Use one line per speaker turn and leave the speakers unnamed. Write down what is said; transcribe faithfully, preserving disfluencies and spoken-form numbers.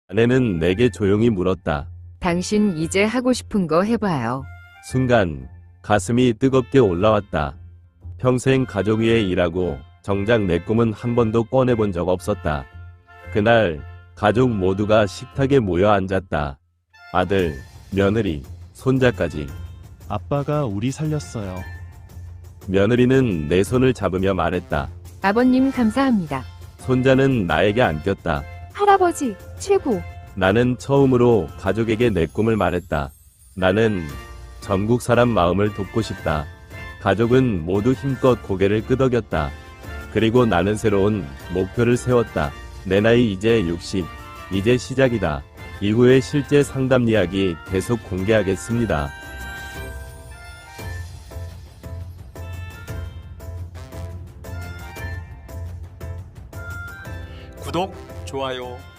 아내는 내게 조용히 물었다.
당신 이제 하고 싶은 거 해봐요.
순간 가슴이 뜨겁게 올라왔다. 평생 가족 위해 일하고 정작 내 꿈은 한 번도 꺼내본 적 없었다. 그날 가족 모두가 식탁에 모여 앉았다. 아들, 며느리, 손자까지.
아빠가 우리 살렸어요.
며느리는 내 손을 잡으며 말했다.
아버님 감사합니다.
손자는 나에게 안겼다.
할아버지 최고.
나는 처음으로 가족에게 내 꿈을 말했다. 나는 전국 사람 마음을 돕고 싶다. 가족은 모두 힘껏 고개를 끄덕였다. 그리고 나는 새로운 목표를 세웠다. 내 나이 이제 육십, 이제 시작이다. 이후의 실제 상담 이야기 계속 공개하겠습니다.
구독, 좋아요